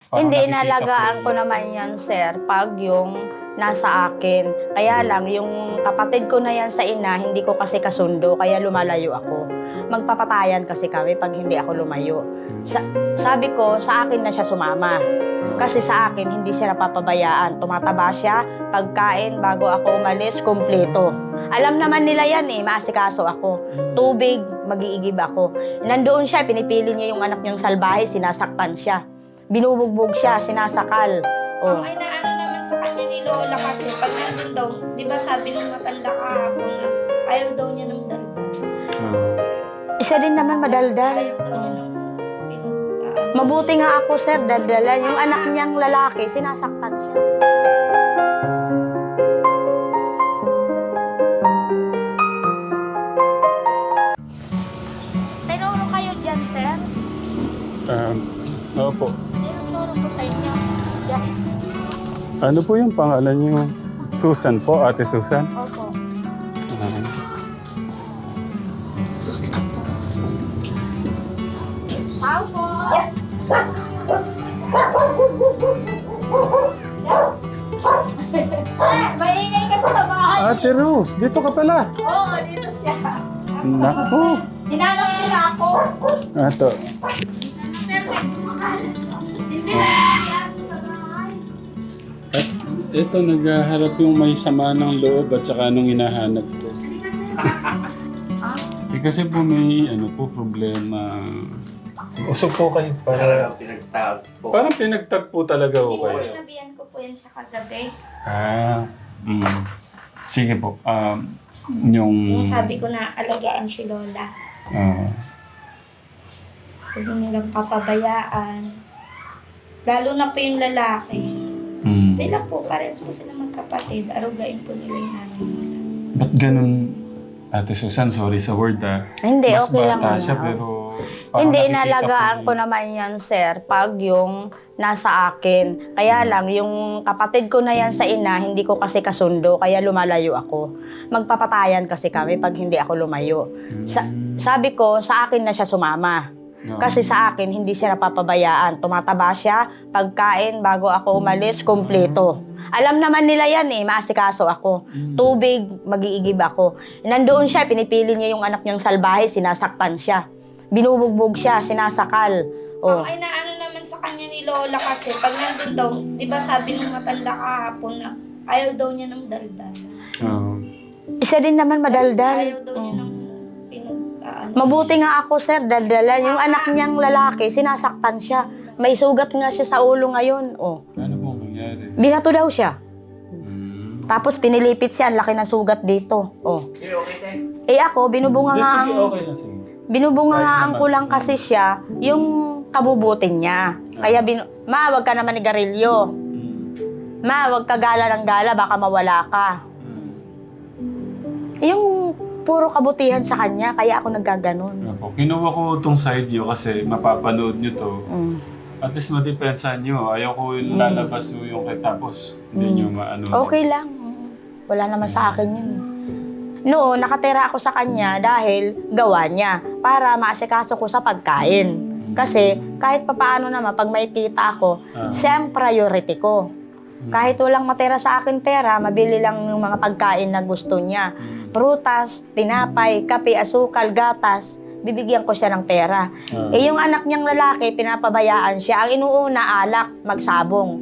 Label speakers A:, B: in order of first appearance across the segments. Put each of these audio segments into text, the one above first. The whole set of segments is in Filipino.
A: Parang
B: Hindi,
A: nakikita
B: inalagaan
A: po
B: ko naman yan, sir, pag yung nasa akin. Kaya lang, yung kapatid ko na yan sa ina, hindi ko kasi kasundo, kaya lumalayo ako. Magpapatayan kasi kami pag hindi ako lumayo. Sabi ko, sa akin na siya sumama. Kasi sa akin, hindi siya napapabayaan. Tumataba siya, pagkain, bago ako umalis, kumpleto. Alam naman nila yan eh, maasikaso ako. Tubig, mag-iigib ako. Nandoon siya, pinipili niya yung anak niyang salbahe, sinasaktan siya. Binubugbog siya, sinasakal.
C: Ang inaano naman sa kanya ni Lola kasi pag nandun daw, di ba sabi nung matanda kahapon na ayaw daw niya ng daldal.
B: Isa din naman madaldal.
C: Ayaw daw niya ng
B: Mabuti nga ako, sir, daldalan. Yung anak niyang lalaki, sinasaktan siya. Tinuro kayo dyan, sir?
A: Opo.
B: Tinuro ko sa inyo. Dyan.
A: Ano po yung pangalan niyo? Susan po, Ate Susan?
B: Opo. Tao po. Maingay kasi sa bahay.
A: Ate Rose, dito ka pala.
B: Oo, dito siya.
A: Naku.
B: Hinanap nila ako.
A: Ato.
B: Sir, may kumakain. Hindi na nakayaso sa bahay.
A: At ito, naghaharap yung may sama ng loob at saka nung hinahanap ko. Kasi po may problema. Usog po kayo.
D: Parang pinagtagpo.
A: Parang pinagtagpo talaga
C: Hindi
A: ho
C: po
A: kayo.
C: sinabihan ko po yan siya kagabi.
A: Sige po. Yung...
C: Yung sabi ko na alagaan si Lola. Huwag nilang papabayaan. Lalo na po yung lalaki. Sila po, pares po sila magkapatid. Arugain po nila yung nanay nila.
A: Ba't ganun, Ate Susan? Sorry sa word
B: Hindi,
A: Mas
B: okay lang
A: bata
B: naman.
A: siya pero... parang
B: Hindi,
A: nakikita
B: inalagaan
A: po
B: ko naman yan, sir, pag yung nasa akin. Kaya lang, yung kapatid ko na yan sa ina, hindi ko kasi kasundo, kaya lumalayo ako. Magpapatayan kasi kami pag hindi ako lumayo. Sabi ko, sa akin na siya sumama. Kasi sa akin, hindi siya napapabayaan. Tumataba siya, pagkain, bago ako umalis, kumpleto. Alam naman nila yan eh, maasikaso ako. Tubig, mag-iigib ako. Nandoon siya, pinipili niya yung anak niyang salbahe, sinasaktan siya. Binubugbog siya, sinasakal.
C: Ang inaano naman sa kanya ni Lola kasi pag nandun daw, di ba sabi nung matanda kahapon na ayaw daw niya ng daldal.
B: Isa din naman madaldal.
C: Ayaw daw niya ng
B: Mabuti nga ako, sir, daldalan. Yung anak niyang lalaki, sinasaktan siya. May sugat nga siya sa ulo ngayon.
A: Ano pong nangyari?
B: Binato daw siya. Tapos pinilipit siya, ang laki ng sugat dito.
D: Okay, okay.
B: Eh ako,
A: Sige, okay lang. Sige.
B: binubungangaan ko lang kasi siya yung kabubutin niya. Kaya, ma, wag ka naman ni Garillo. Ma, wag ka gala ng gala, baka mawala ka. Yung puro kabutihan sa kanya, kaya ako naggaganon.
A: Kinuha ko itong side view kasi mapapanood nyo to. At least madepensahan nyo. Ayaw ko lalabas yung tapos hindi nyo maano.
B: Okay lang. Wala naman sa akin yun. Noon, nakatira ako sa kanya dahil gawa niya para maasikaso ko sa pagkain. Kasi kahit papaano naman, pag may kita ako, siya ang priority ko. Kahit walang matira sa akin pera, mabili lang yung mga pagkain na gusto niya. Prutas, tinapay, kape, asukal, gatas, bibigyan ko siya ng pera. Eh yung anak niyang lalaki, pinapabayaan siya. Ang inuuna, alak, magsabong.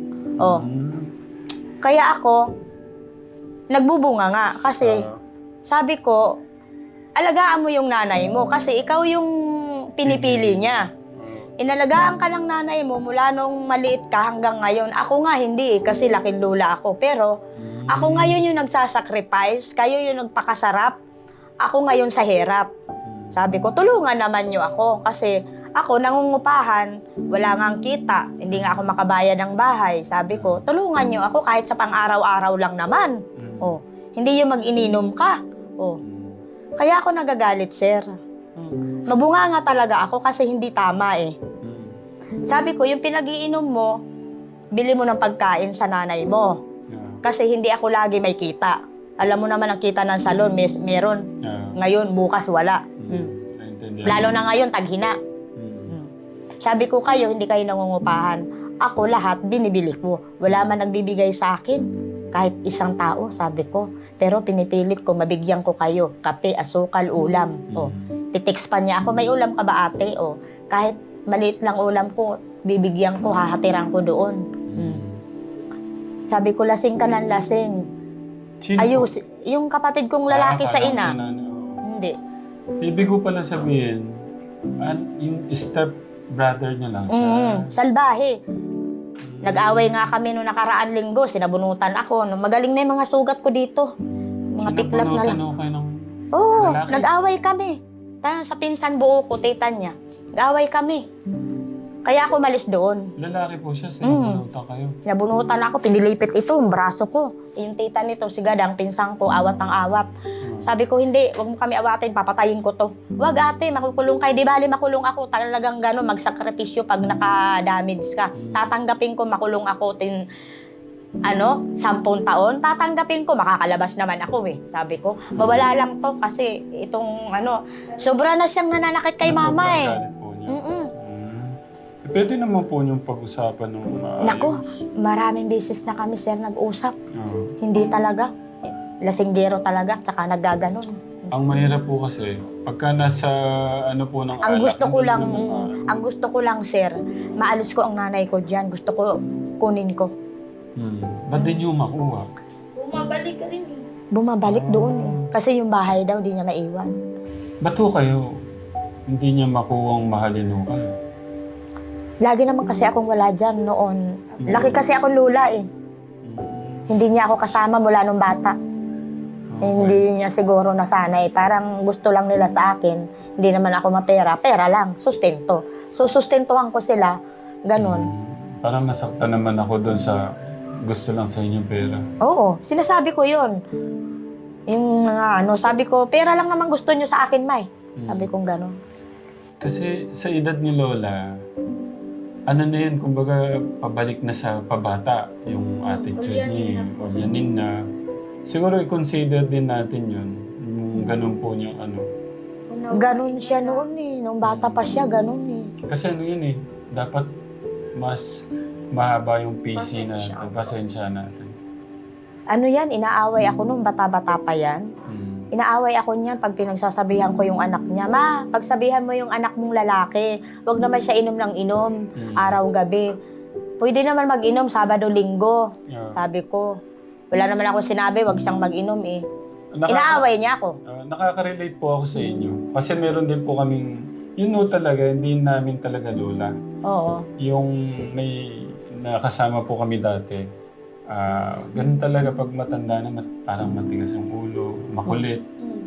B: Kaya ako, nagbubunga nga. Kasi sabi ko, alagaan mo yung nanay mo kasi ikaw yung pinipili niya. Inalagaan ka ng nanay mo mula nung maliit ka hanggang ngayon. Ako nga hindi kasi laking lula ako. Pero ako ngayon yung nagsasacrifice, kayo yung nagpakasarap. Ako ngayon sa hirap. Sabi ko, tulungan naman niyo ako kasi ako nangungupahan, wala ngang kita, hindi nga ako makabayad ng bahay. Sabi ko, tulungan niyo ako kahit sa pang-araw-araw lang naman. Hindi yung mag-ininom ka. Kaya ako nagagalit, sir. Mabunga nga talaga ako kasi hindi tama eh. Sabi ko, yung pinag-iinom mo, bili mo ng pagkain sa nanay mo. Kasi hindi ako lagi may kita. Alam mo naman ang kita ng salon, meron. Ngayon, bukas wala. Lalo na ngayon, taghina. Sabi ko kayo, hindi kayo nangungupahan. ako lahat binibili ko. Wala man nagbibigay sa akin. Kahit isang tao, sabi ko. Pero pinipilit ko, mabigyan ko kayo. Kape, asukal, ulam. O, titext pa niya ako, may ulam ka ba ate? O, kahit maliit lang ulam ko, bibigyan ko, hahatiran ko doon. Sabi ko, lasing ka ng lasing.
A: Sino
B: Ayos, yung kapatid kong lalaki sa
A: akala ko
B: ina.
A: si nanay.
B: Hindi.
A: Ibig ko pala sabihin, yung step brother niya lang siya.
B: Salbahe. Nag-away nga kami noong nakaraan linggo, sinabunutan ako. Magaling na yung mga sugat ko dito. Mga piklat na lang.
A: Sinabunutan kayo ng
B: Oo,
A: lalaki?
B: nag-away kami. Sa pinsan buo ko, tita niya. Nag-away kami. Kaya ako malis doon.
A: Lalaki po siya, sinabunutan kayo.
B: Sinabunutan ako, pinilipit ito, ang braso ko. Yung tita nito, si Gadang, pinsan ko, awat ang awat. Sabi ko, hindi, wag mo kami awatin, papatayin ko to. Wag ate, makukulong kayo. Di bali, makulong ako. Talagang gano'n, magsakripisyo pag naka-damage ka. Tatanggapin ko, makulong ako 10 taon. Tatanggapin ko, makakalabas naman ako eh. Sabi ko, mawala lang to kasi itong sobra na siyang nananakit kay mama eh.
A: Galit po niya. Pwede naman po yung pag-usapan ng
B: Nako, maraming beses na kami sir nag-usap.
A: Oo.
B: Hindi talaga. Lasinggero talaga, tsaka naggaganon.
A: Ang mahirap po kasi, pagka nasa po ng
B: Ang
A: alak,
B: gusto ko lang sir, maalis ko ang nanay ko diyan. Gusto ko kunin ko.
A: Ba't din yung makuha?
C: Bumabalik ka rin eh.
B: Bumabalik doon eh. Kasi yung bahay daw di niya maiwan.
A: Ba't ho kayo hindi niya makuwang mahalin ho kayo?
B: Lagi naman kasi akong wala dyan noon. Laki kasi akong lula eh. Hindi niya ako kasama mula nung bata. Hindi niya siguro nasanay. Parang gusto lang nila sa akin. Hindi naman ako mapera. Pera lang. Sustento. So, sustentuhan ko sila. Ganon.
A: Parang nasaktan naman ako doon sa gusto lang sa inyong pera.
B: Oo. Sinasabi ko yun. Yung mga sabi ko, pera lang naman gusto niyo sa akin, May. Sabi kong ganon.
A: Kasi sa edad ni Lola, na yun, kumbaga pabalik na sa pabata yung attitude niya. Ulyanin na. Siguro i-consider din natin yun. Yung ganun po niyang
B: Ganon siya noon eh. Nung bata pa siya, ganon eh.
A: Kasi yun eh, dapat mas mahaba yung PC natin, pasensya natin.
B: Yan, inaaway ako nung bata-bata pa yan. Inaaway ako niyan pag pinagsasabihan ko yung anak niya. Ma, pagsabihan mo yung anak mong lalaki, wag naman siya inom ng inom, araw-gabi. Pwede naman mag-inom Sabado-Linggo. Sabi ko, wala naman ako sinabi, wag siyang mag-inom eh. Inaaway niya ako.
A: Nakaka-relate po ako sa inyo. Kasi meron din po kaming, talaga, hindi namin talaga lola.
B: Oo.
A: Yung may nakasama po kami dati. Ganun talaga pag matanda na parang matigas ang ulo, makulit.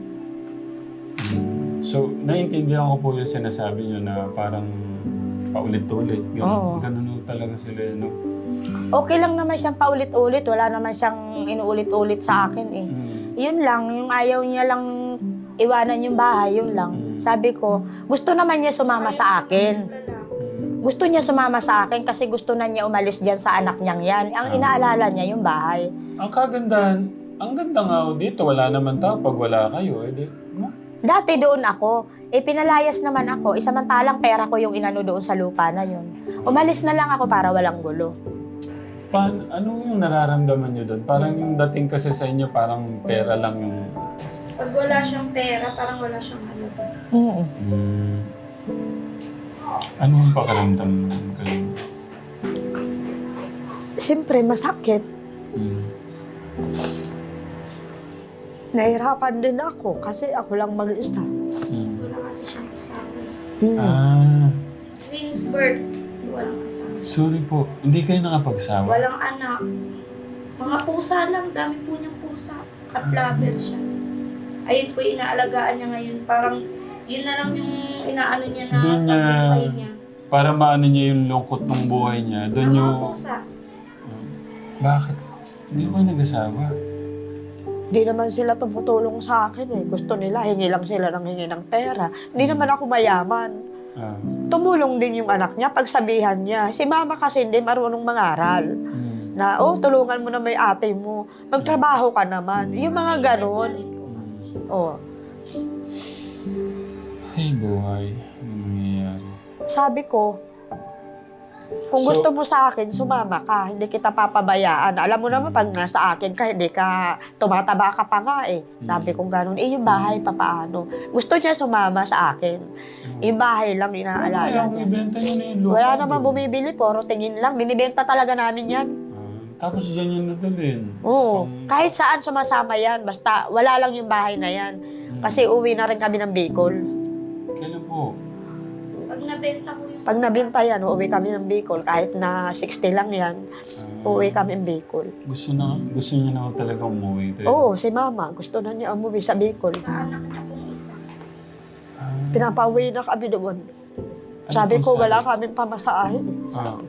A: So, naiintindihan ko po yung sinasabi nyo na parang paulit-ulit. Ganun talaga sila, no?
B: Okay lang naman siyang paulit-ulit. Wala naman siyang inuulit-ulit sa akin eh. Yun lang, yung ayaw niya lang iwanan yung bahay, yun lang. Sabi ko, gusto naman niya sumama sa akin. Gusto niya sumama sa akin kasi gusto na niya umalis dyan sa anak niyang yan. Ang inaalala niya yung bahay.
A: Ang kagandahan, ang ganda nga dito, wala naman tao pag wala kayo.
B: Dati doon ako, pinalayas naman ako. Isamantalang pera ko yung inano doon sa lupa na yun. Umalis na lang ako para walang gulo.
A: Ano yung nararamdaman niyo doon? Parang yung dating kasi sa inyo, parang pera lang yung...
C: Pag wala siyang pera, parang wala siyang halaga.
A: Ano ang pakiramdam kayo?
B: Siyempre, masakit. Nahirapan din ako kasi ako lang mag-isa.
C: Wala kasi siyang asawa. Since birth, walang asawa.
A: Sorry po, hindi kayo nakapagsawa?
C: Walang anak. Mga pusa lang, dami po niyang pusa. Cat lover siya. Ayun po yung inaalagaan niya ngayon. Parang yun na lang yung inaano niya na
A: Doon
C: sa buhay niya.
A: Para maano niya yung lungkot ng buhay niya.
C: Sa
A: Doon
C: mga
A: yung...
C: pusa.
A: Bakit? Hindi ko kayo nag-asawa.
B: Di naman sila tumutulong sa akin eh. Gusto nila, hingi lang sila ng hingi ng pera. Hindi naman ako mayaman. Tumulong din yung anak niya, pagsabihan niya. Si mama kasi hindi marunong mangaral. Na, tulungan mo na may ate mo. Magtrabaho ka naman. Yung mga ganon.
A: Ay, buhay. Ano nangyayari?
B: Sabi ko, Kung
A: So-
B: gusto mo sa akin, sumama ka. Hindi kita papabayaan. Alam mo naman, pag nasa akin ka, hindi ka, tumataba ka pa nga eh. Sabi ko gano'n, yung bahay, papaano? Gusto niya sumama sa akin. Yung bahay lang, inaalala
A: Kaya
B: niya.
A: ibenta niyo na yung lupa.
B: Wala naman
A: doon.
B: bumibili, puro tingin lang. Binibenta talaga namin yan.
A: Tapos dyan yun nadalhin.
B: Oo. Kahit saan sumasama yan, basta wala lang yung bahay na yan. Kasi uwi na rin kami ng Bicol.
A: Kailan po?
C: Pag nabenta ko yung...
B: Pag nabenta yan, uuwi kami ng Bicol. Kahit na 60 lang yan, uuwi kami ng Bicol.
A: Gusto niya na talaga umuwi. Tayo.
B: Oo, si Mama. Gusto na niya umuwi sa Bicol.
C: Sa anak niya pong isa.
B: Pinapauwi na kami doon.
A: Ano
B: Sabi
A: pong
B: ko, wala kaming pamasahin.
A: Ah.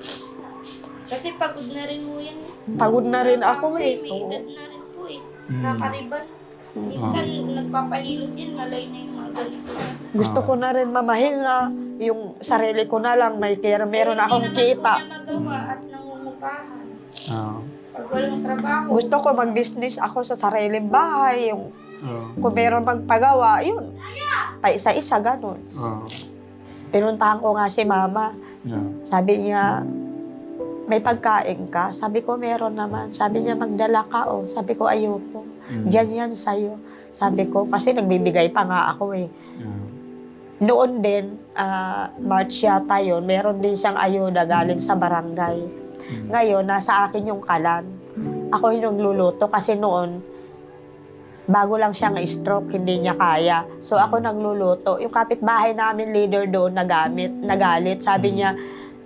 C: Kasi pagod na rin mo yan.
B: Pagod na rin ako eh.
C: May
B: Oo.
C: edad na rin po eh.
A: Mm.
C: Kakariban. Minsan nagpapahilot yan, malay na yung mga ganito.
B: Gusto ko na rin mamahinga. Yung sarili ko na lang, meron akong kita.
C: Hindi naman po niya magawa at nangungupahan.
A: Ah.
C: Pag walang trabaho.
B: Gusto ko mag-business ako sa sariling bahay. Yung
A: Ah.
B: kung meron magpagawa, yun. Pa isa-isa, ganun.
A: Ah.
B: Pinuntahan ko nga si Mama.
A: Yeah.
B: Sabi niya, may pagkain ka? Sabi ko, meron naman. Sabi niya, magdala ka, oh. Sabi ko, ayoko. Diyan yan sa'yo. Sabi ko, kasi nagbibigay pa nga ako eh.
A: Yeah.
B: Noon din, March yata yun, meron din siyang ayuda galing sa barangay. Ngayon, nasa akin yung kalan. Ako yung nagluluto kasi noon, bago lang siyang stroke, hindi niya kaya. So ako nagluluto. Yung kapitbahay namin, leader doon, nagalit. Sabi niya,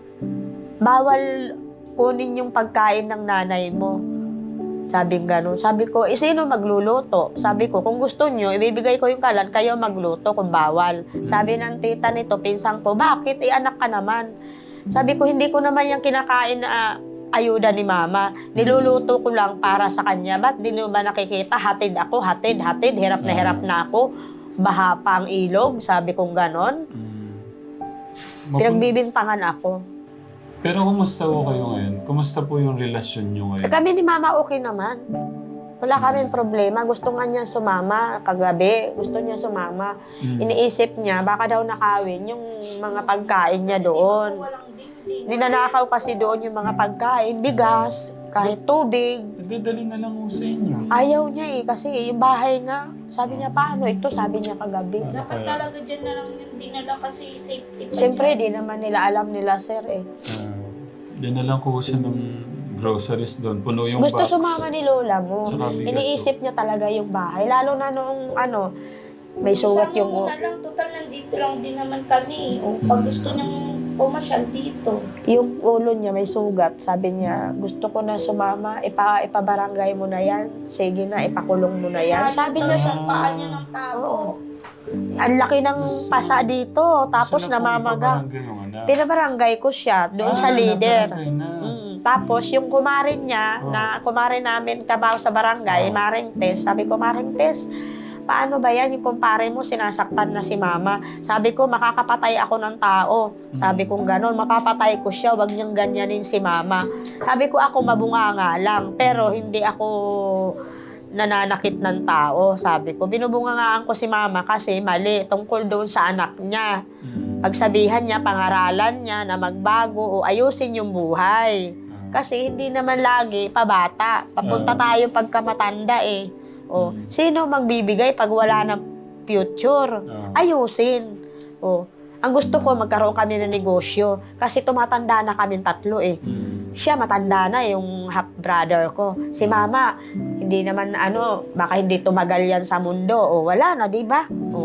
B: bawal kunin yung pagkain ng nanay mo. Sabi gano'n. Sabi ko, sino magluluto? Sabi ko, kung gusto nyo, ibibigay ko yung kalan, kayo magluto kung bawal. Sabi ng tita nito, pinsang ko, bakit? Anak ka naman. Sabi ko, hindi ko naman yung kinakain na ayuda ni Mama. Niluluto ko lang para sa kanya. Ba't di nyo ba nakikita? Hatid ako, hatid. Hirap na ako. Baha pa ang ilog. Sabi kong gano'n. Pinagbibintangan ako.
A: Pero kumusta po kayo ngayon? Kumusta po yung relasyon nyo ngayon?
B: Kami ni Mama okay naman. Wala kaming problema. Gusto nga niya sumama. Kagabi, gusto niya sumama. Iniisip niya, baka daw nakawin yung mga pagkain niya doon.
C: Walang dingding.
B: Ninanakaw kasi doon yung mga pagkain, bigas, kahit tubig.
A: Dadali na lang po sa inyo.
B: Ayaw niya eh, kasi yung bahay nga, sabi niya, paano ito? Sabi niya kagabi.
C: Dapat talaga dyan na lang yung dinala kasi safety pa
B: Siyempre,
C: dyan.
B: di naman nila alam nila, sir eh.
A: Dinalang ko siya ng groceries doon. Puno yung
B: Gusto
A: box.
B: sumama ni Lola mo.
A: Tsaka bigas,
B: Iniisip niya talaga yung bahay. Lalo na noong may sugat
C: Isang
B: yung...
C: muna lang, total nandito lang din naman kami. O pag gusto niyang pumasyal dito.
B: Yung ulo niya may sugat. Sabi niya, gusto ko na sumama. Ipabarangay mo na yan. Sige na, ipakulong mo na yan. Sabi niya sa...
C: sa paan niya ng tao.
B: Ang laki ng pasa dito. Tapos
A: Saan na po
B: namamaga.
A: ipabarangay yung anak?
B: Pinabarangay ko siya doon sa leader.
A: nabarangay na.
B: Tapos yung kumarin niya, na kumarin namin trabaho sa barangay, Maring Tess. Sabi ko, Maring Tess, paano ba yan? Yung kumpare mo, sinasaktan na si Mama. Sabi ko, makakapatay ako ng tao. Sabi ko, gano'n, mapapatay ko siya, wag niyang ganyanin si Mama. Sabi ko, ako mabunganga lang, pero hindi ako nananakit ng tao. Sabi ko, binubungangaan ko si Mama kasi mali, tungkol doon sa anak niya. Pagsabihan niya, pangaralan niya na magbago o ayusin yung buhay. Kasi hindi naman lagi pabata. Papunta tayo pagkamatanda eh. O, sino magbibigay pag wala ng future? Ayusin. O, ang gusto ko, magkaroon kami ng negosyo. Kasi tumatanda na kami tatlo eh. Siya matanda na yung half brother ko. Si Mama, hindi naman baka hindi tumagal yan sa mundo. O, wala na, di ba? O,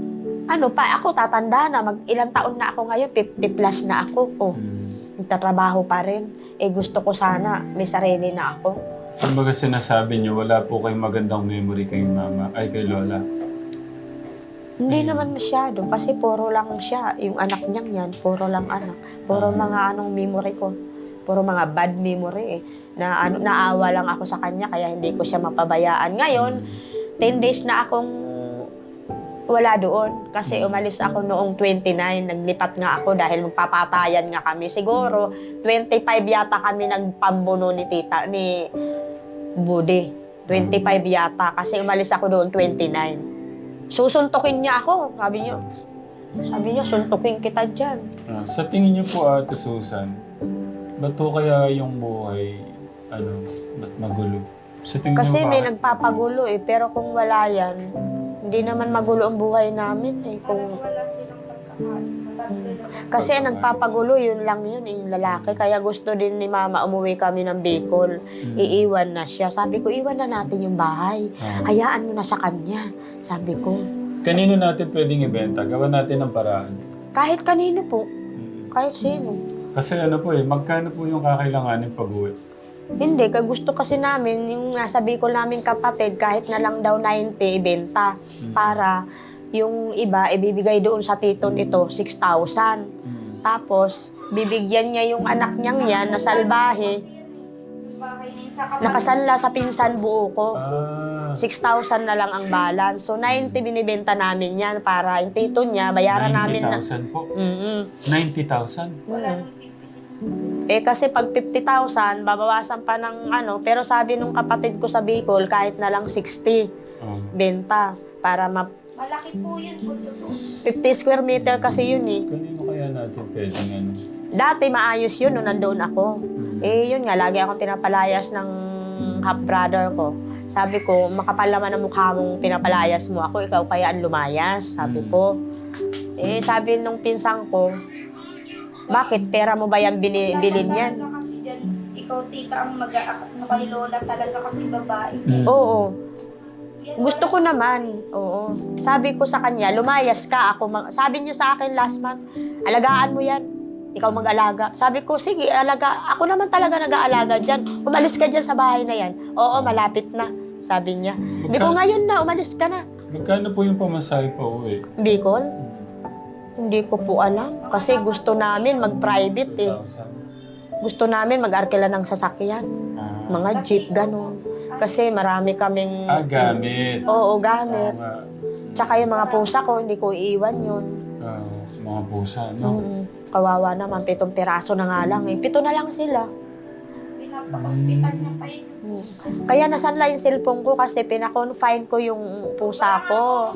B: ako tatanda na. Ilang taon na ako ngayon, 50 plus na ako. O, nagtatrabaho pa rin. Gusto ko sana may sarili na ako.
A: Kumbaga sinasabi niyo, wala po kayong magandang memory kay Mama, ay kay Lola.
B: Hindi naman masyado kasi puro lang siya. Yung anak niyang yan, puro lang anak. Puro mga memory ko. Puro mga bad memory eh. Naawa lang ako sa kanya kaya hindi ko siya mapabayaan. Ngayon, 10 days na akong wala doon. Kasi umalis ako noong 29. Naglipat nga ako dahil magpapatayan nga kami. Siguro, 25 yata kami nagpambuno ni Budi. 25 yata. Kasi umalis ako doon 29. Susuntukin niya ako. Sabi niyo, Sabi niya, suntukin kita dyan.
A: Sa tingin niyo po, Ate Susan, ba't po kaya yung buhay, ba't magulo? Sa tingin
B: Kasi
A: niyo
B: may
A: bakit?
B: nagpapagulo eh. Pero kung wala yan, hindi naman magulo ang buhay namin eh.
C: Parang
B: Kung,
C: wala silang pagkakaisa. Tatlo lang.
B: kasi ang nagpapagulo, yun lang yun, yung lalaki. Kaya gusto din ni Mama umuwi kami ng Bicol. Iiwan na siya. Sabi ko, iwan na natin yung bahay. Hayaan mo na sa kanya. Sabi ko,
A: Kanino natin pwedeng ibenta? Gawa natin ng paraan.
B: kahit kanino po, kahit sino.
A: Kasi magkano po yung kakailanganin pag-uwi?
B: Hindi, gusto kasi namin, yung nasa Bicol namin kapatid, kahit na lang daw 90, ibenta. Para yung iba, ibibigay doon sa tito nito, 6,000. Tapos, bibigyan niya yung anak niyang yan na salbahe,
C: Bahay na yun sa kapatid.
B: nakasanla sa pinsan buo ko. 6,000
A: Ah,
B: na lang ang balance. So, 90 binibenta namin yan para yung tito niya, bayaran namin na.
A: 90,000 po.
B: 90,000.
A: 90,000?
C: Wala nang pipili.
B: Eh kasi pag 50,000, babawasan pa ng pero sabi nung kapatid ko sa Bicol, kahit na lang 60 benta para
C: Malaki po yun po totoo.
B: 50 square meter kasi yun eh.
A: Kanino kaya natin pwedeng
B: Dati maayos yun nung nandoon ako. Eh yun nga, lagi akong pinapalayas ng half brother ko. Sabi ko, makapal naman ang mukha mong pinapalayas mo ako, ikaw kaya ang lumayas, sabi ko. Eh sabi nung pinsang ko, bakit pera mo ba yan bilin yan?
C: Talaga kasi dyan, ikaw tita ang mag-aakap mo kay Lola talaga kasi babae.
B: Oo.
C: Yan,
B: Gusto ko naman. Oo. Sabi ko sa kanya, lumayas ka. Sabi niya sa akin last month, alagaan mo yan. Ikaw mag-alaga. Sabi ko, sige, alaga. Ako naman talaga nag-aalaga dyan. Umalis ka dyan sa bahay na yan. Oo, malapit na. Sabi niya. Hindi ko ngayon na, umalis ka na.
A: Magkano po yung pamasahe pa uwi?
B: Bicol? Hindi ko po alam. Kasi gusto namin mag-private eh.
A: 2,000.
B: Gusto namin mag-arkila ng sasakyan. Mga jeep, ganun. Kasi marami kaming...
A: Gamit.
B: Oo, gamit.
A: Nga.
B: Tsaka yung mga pusa ko, hindi ko iiwan yun.
A: Mga pusa, no?
B: Kawawa naman, 7 piraso na nga lang eh. 7 na lang sila.
C: Pinapakaspital niya pa yun.
B: Kaya nasanla yung cellphone ko kasi pinakonfine ko yung pusa ko.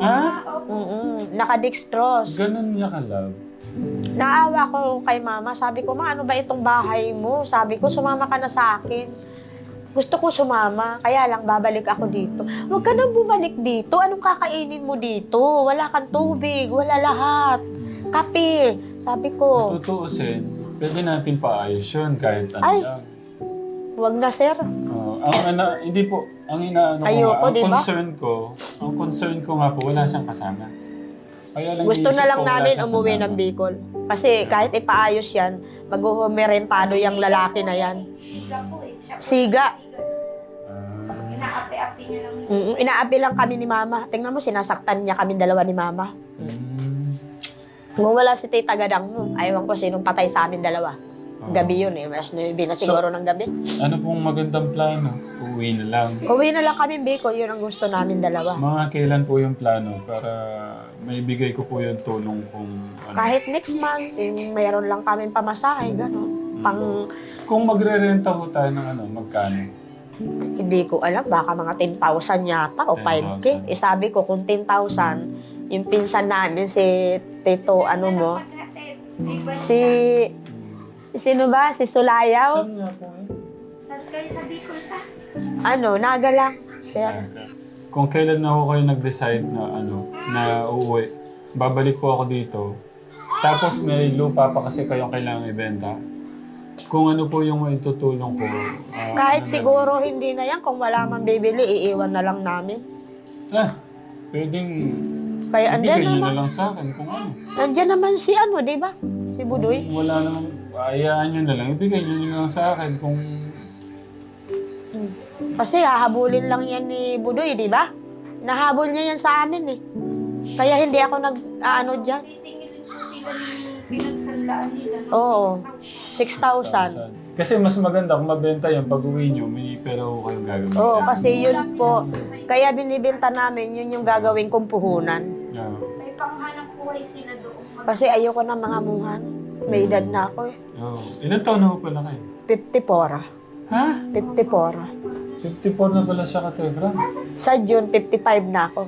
B: Nakadextrose.
A: Ganun niya ka-love.
B: Naawa ko kay mama. Sabi ko, ma, ano ba itong bahay mo? Sabi ko, sumama ka na sa akin. Gusto ko sumama, kaya lang babalik ako dito. Huwag ka nang bumalik dito. Anong kakainin mo dito? Wala kang tubig, wala lahat. Kape. Sabi ko,
A: Tutuusin, pwede natin paayos yun kahit ano
B: Ay.
A: lang.
B: huwag na sir.
A: Hindi po, ang inaano ko
B: Ayoko,
A: nga, ang
B: diba?
A: concern ko nga po, wala siyang kasama. Kaya lang
B: Gusto
A: iisip
B: na lang
A: ko, wala
B: namin
A: siyang
B: umuwi
A: kasama.
B: ng Bicol. Kasi kahit ipaayos yan, maghuhumerentado yung lalaki na yan.
C: Siga po eh. Siya po
B: Siga.
C: Inaapi-api niya lang.
B: Inaapi lang kami ni mama. Tingnan mo, sinasaktan niya kami dalawa ni mama. Kung wala si Tita Gadang mo, ayaw ko sinong patay sa amin dalawa. Gabi yun eh. Mas na siguro ng gabi.
A: Ano pong magandang plano? Uwi na lang.
B: Uwi na lang kami Bicol. Yun ang gusto namin dalawa.
A: Mga kailan po yung plano para maibigay ko po yung tulong kung ano.
B: Kahit next month, mayroon lang kami pamasahe, gano'n.
A: Kung magre-renta ho tayo ng magkano?
B: Hindi ko alam, baka mga 10,000 yata o 5K.
A: 10,000.
B: Sabi ko, kung 10,000, yung pinsan namin, si Tito, sino ba? Si Sulayaw?
A: Saan nga po
C: Saan kayo sa Bicol ta?
B: Naga lang. Sir.
A: Kung kailan na ako kayo nag-decide na uuwi, babalik po ako dito. Tapos may lupa pa kasi kayong kailangang ibenta. Kung ano po yung maitutulong ko.
B: Kahit siguro hindi na yan, kung wala man bibili, iiwan na lang namin.
A: Pwedeng
B: Kaya
A: ibigay
B: andyan
A: nyo
B: naman,
A: na lang sa akin kung ano.
B: andyan naman si di ba? Si Budoy.
A: Kung wala naman, ayaan nyo na lang. Ibigay nyo na lang sa akin kung...
B: Kasi hahabulin lang yan ni Budoy, di ba? Nahabol niya yan sa amin eh. Kaya hindi ako dyan.
C: Sisingilin po sila ng pinagsanlaan nila. ng
B: Oo.
C: 6,000.
B: 6,000.
A: Kasi mas maganda kung mabenta yan, pag uwi nyo, may pera ko kayong gagamitin.
B: Oo, kasi yun po. Kaya binibenta namin, yun yung gagawin kong puhunan.
A: Yeah.
C: May panghanap buhay sila doon.
B: Kasi ayoko na mga muhan. May edad na ako eh.
A: Ilan taon na po pala kayo?
B: 54.
A: Ha?
B: 54.
A: 54 na pala siya ka-Tegram.
B: Sa June, 55 na ako.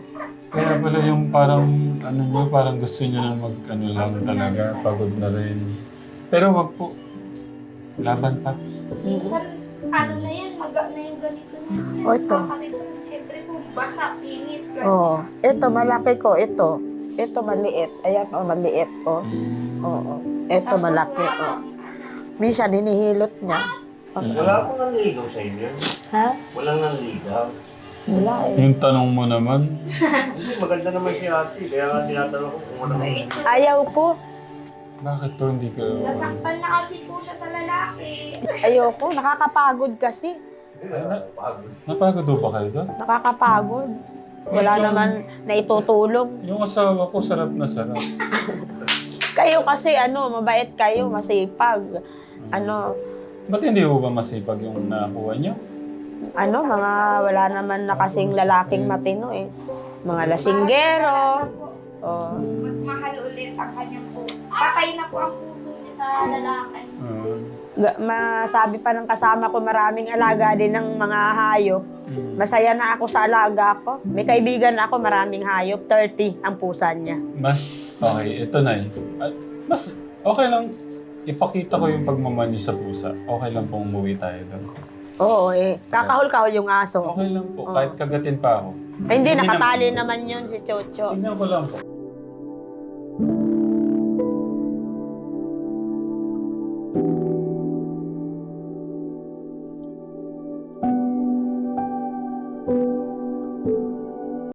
A: Kaya pala yung parang, ano nyo, parang gusto nyo na ano lang talaga, pagod na rin. Pero wag po, laban pa.
C: Minsan, ano na yan, maga na yung ganito na.
B: O, ito.
C: Siyempre po, basa, pinit.
B: Oo. Ito, malaki ko. Ito. Ito, maliit. Ayan, maliit. Oo. Ito, malaki. Minsan, hinihilot niya.
D: Wala akong nanligaw sa inyo.
B: Ha?
D: Walang nanligaw.
B: Wala eh.
A: Yung tanong mo naman,
D: Hindi, maganda naman si ate. Kaya nga tinatanong ko kung ano.
B: Ayaw ko.
A: bakit to hindi ka...
C: Nasaktan na kasi po siya sa lalaki.
B: Ayoko. Nakakapagod kasi.
D: Pagod.
A: Napagod ho ba kayo doon?
B: Nakakapagod. Wala naman na itutulong.
A: Yung asawa ko, sarap na sarap.
B: Kayo kasi, mabait kayo, masipag.
A: Ba't hindi ho ba masipag yung nakuha nyo?
B: Wala naman na kasing lalaking matino eh. Mga lasinggero. Oh.
C: Magmahal ulit ang kanyang po. Patay na po ang puso niya sa lalaki.
B: Masabi pa ng kasama ko, maraming alaga din ng mga hayop. Masaya na ako sa alaga ko. May kaibigan ako, maraming hayop. 30 ang pusa niya.
A: Mas, okay, ito na mas, okay lang, ipakita ko yung pagmamahal niyo sa pusa. Okay lang pong umuwi tayo doon.
B: Oo eh. Kakahol-kahol yung aso.
A: Okay lang po, kahit kagatin pa ako.
B: Ay, hindi, nakatali naman yun si Chocho.
A: Tingnan ko lang po.